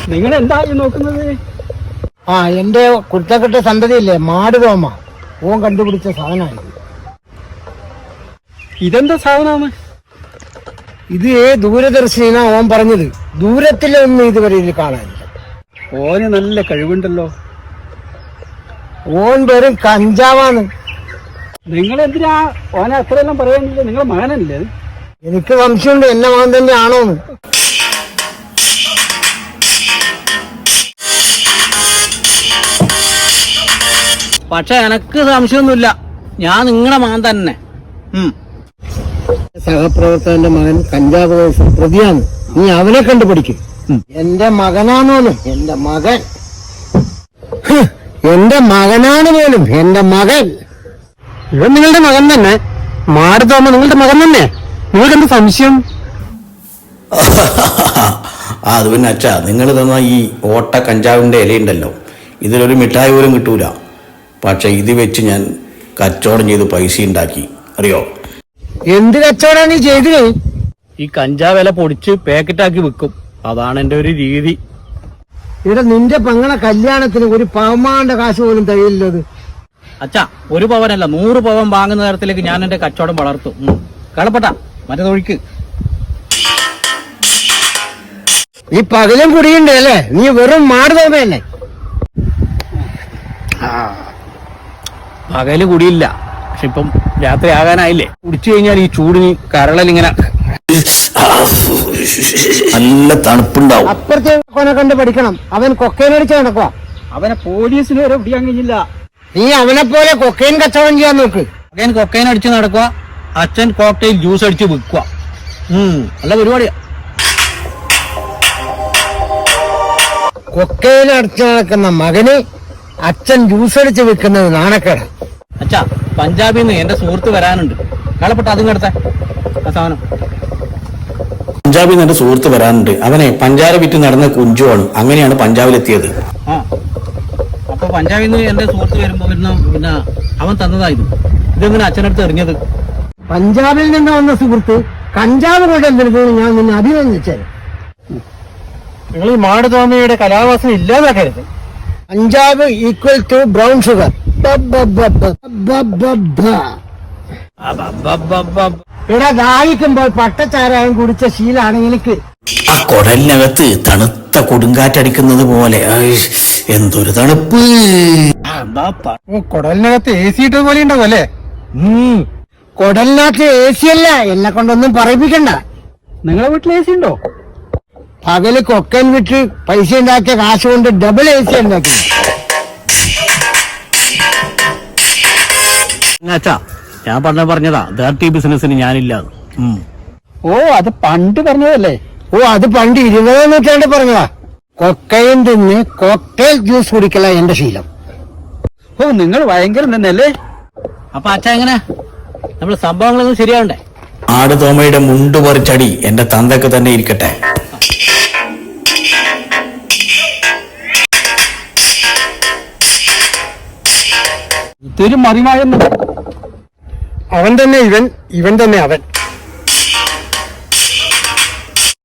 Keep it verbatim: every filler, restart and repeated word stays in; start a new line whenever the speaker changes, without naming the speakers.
നിങ്ങൾ എന്താ നോക്കുന്നത്?
ആ എന്റെ കുരുത്തക്കെട്ട സന്തതിയില്ലേ മാട് തോമ, ഓൻ കണ്ടുപിടിച്ച സാധനമാണ്.
ഇതെന്താ സാധനമാണ്?
ഇത് ദൂരദർശിനാ ഓൻ പറഞ്ഞത്. ദൂരത്തിലൊന്നും ഇതുവരെ ഇത് കാണാനില്ല.
ഓന് നല്ല കഴിവുണ്ടല്ലോ.
ഓൻ വെറും കഞ്ചാവാണ്.
നിങ്ങൾ എന്തിനാ ഓനെ അത്രയെല്ലാം പറയാനില്ല? നിങ്ങളെ മകനല്ലേ?
എനിക്ക് സംശയമുണ്ട് എന്നെ മകൻ തന്നെ ആണോന്ന്.
പക്ഷെ എനക്ക് സംശയമൊന്നുമില്ല, ഞാൻ നിങ്ങളുടെ മകൻ തന്നെ.
സഹപ്രവർത്തകന്റെ മകൻ കഞ്ചാവ് കേസ് പ്രതിയാണ്. നീ അവനെ കണ്ടുപിടിക്കും. എന്റെ മകനാണോന്നും എന്റെ മകൻ എന്റെ മകനാണ് പോലും എന്റെ മകൻ.
ഇവൻ നിങ്ങളുടെ മകൻ തന്നെ. മാട് തോമ നിങ്ങളുടെ മകൻ തന്നെ. നിങ്ങൾക്ക് എന്ത് സംശയം?
അത് പിന്നെ അച്ഛാ, നിങ്ങൾ തന്ന ഈ ഓട്ട കഞ്ചാവിന്റെ ഇലയുണ്ടല്ലോ, ഇതിലൊരു മിഠായി പോലും കിട്ടൂല. പക്ഷെ ഇത് വെച്ച് ഞാൻ കച്ചവടം ചെയ്ത് പൈസ ഉണ്ടാക്കി, അറിയോ?
എന്ത് കച്ചവടാണ് നീ ചെയ്തത്?
ഈ കഞ്ചാവ് ഇല പൊടിച്ച് പാക്കറ്റാക്കി വിൽക്കും. അതാണ് എന്റെ ഒരു രീതി.
ഇവിടെ നിന്റെ പെങ്ങളെ കല്യാണത്തിന് ഒരു പവമാന്റെ കാശ് പോലും തയ്യില്ലത്.
അച്ഛാ, ഒരു പവനല്ല നൂറ് പവൻ വാങ്ങുന്ന തരത്തിലേക്ക് ഞാൻ എന്റെ കച്ചവടം വളർത്തും. കളപ്പട്ട മറ്റേതൊഴിക്ക്.
നീ പകലും കുടിയുണ്ട് അല്ലേ? നീ വെറും മാട് തോമയല്ലേ?
പകല് കുടിയില്ല, പക്ഷെ ഇപ്പം രാത്രി ആകാനായില്ലേ. കുടിച്ചു കഴിഞ്ഞാൽ ഈ ചൂടിന് കരളലിങ്ങനെ
നല്ല തണുപ്പുണ്ടാവും.
അപ്പുറത്തെ കൊനെ കണ്ട് പഠിക്കണം. അവൻ കൊക്കൈനടിച്ച് നടക്കുക.
അവനെ പോലീസിന് വരെ പിടിക്കാൻ കഴിഞ്ഞില്ല.
നീ അവനെ പോലെ കൊക്കൈൻ കച്ചവടം ചെയ്യാൻ നോക്ക്.
മകൻ കൊക്കൈൻ അടിച്ച് നടക്കുക, അച്ഛൻ കോക്ടെയിൽ ജ്യൂസ് അടിച്ച് വിൽക്കുക. നല്ല പരിപാടിയാ.
കൊക്കൈൻ അടിച്ച് നടക്കുന്ന മകന് അച്ഛൻ ജ്യൂസ് അടിച്ച് വിൽക്കുന്നത് നാണക്കേട്.
അച്ഛാ, പഞ്ചാബിൽ നിന്ന് എന്റെ സുഹൃത്ത് വരാനുണ്ട്. കളപ്പട്ട അതും കിടത്ത ആ സാധനം.
പഞ്ചാബിൽ നിന്ന് എന്റെ സുഹൃത്ത് വരാനുണ്ട്. അവനെ പഞ്ചാര വിറ്റ് നടന്ന കുഞ്ചുവാണ്. അങ്ങനെയാണ് പഞ്ചാബിലെത്തിയത്.
ആ അപ്പൊ പഞ്ചാബിൽ നിന്ന് എന്റെ സുഹൃത്ത് വരുമ്പോ വരുന്ന പിന്നെ അവൻ തന്നതായിരുന്നു. ഇതെങ്ങനെ അച്ഛനടുത്ത് എറിഞ്ഞത്?
പഞ്ചാബിൽ നിന്ന് വന്ന സുഹൃത്ത് കഞ്ചാവ് കൊണ്ടെടുത്ത് ഞാൻ നിന്നെ അഭിനന്ദിച്ചത്.
നിങ്ങൾ ഈ മാട് തോമയുടെ കലാവാസന ഇല്ലാതാക്കരുത്.
Punjab equal to brown sugar. ഇവിടെ ദാഹിക്കുമ്പോൾ പട്ടച്ചാരായം കുടിച്ച ശീലാണ് എനിക്ക്.
ആ കുടലിനകത്ത് തണുത്ത കൊടുങ്കാറ്റടിക്കുന്നത് പോലെ എന്തൊരു തണുപ്പ്.
കുടലിനകത്ത് എ സി ഇട്ടത് പോലെ ഉണ്ടാവും അല്ലേ?
കുടലിനകത്ത് എ സി അല്ല, എന്നെ കൊണ്ടൊന്നും പറയിപ്പിക്കണ്ട.
നിങ്ങളെ വീട്ടിൽ എ സി ഉണ്ടോ?
പകല് കൊക്കൻ വിട്ട് പൈസ ഉണ്ടാക്കിയ കാശ് കൊണ്ട് ഡബിൾ എ സി ഉണ്ടാക്കി.
അച്ഛാ, ഞാൻ പറഞ്ഞ പറഞ്ഞതാ ഡയറക്റ്റ് ബിസിനസിന് ഞാനില്ല.
ഓ, അത് പണ്ട് പറഞ്ഞതല്ലേ?
ഓ, അത് പണ്ട് ഇരുപതാം നൂറ്റാണ്ട് പറഞ്ഞതാ. കൊക്കൈൻ തിന്ന് കോക്ടെയിൽ ജ്യൂസ് കുടിക്കല എന്റെ ശീലം.
ഓ, നിങ്ങൾ ഭയങ്കര തന്നെയല്ലേ?
അപ്പൊ അച്ഛാ, എങ്ങനെ നമ്മള് സംഭവങ്ങളൊന്നും ശരിയാവണ്ടേ?
ആട് തോമയുടെ മുണ്ട് പറിച്ചടി എന്റെ തന്തക്ക് തന്നെ ഇരിക്കട്ടെ.
ഇതൊരു മറിമായൊന്നും.
അവൻ തന്നെ ഇവൻ, ഇവൻ തന്നെ അവൻ.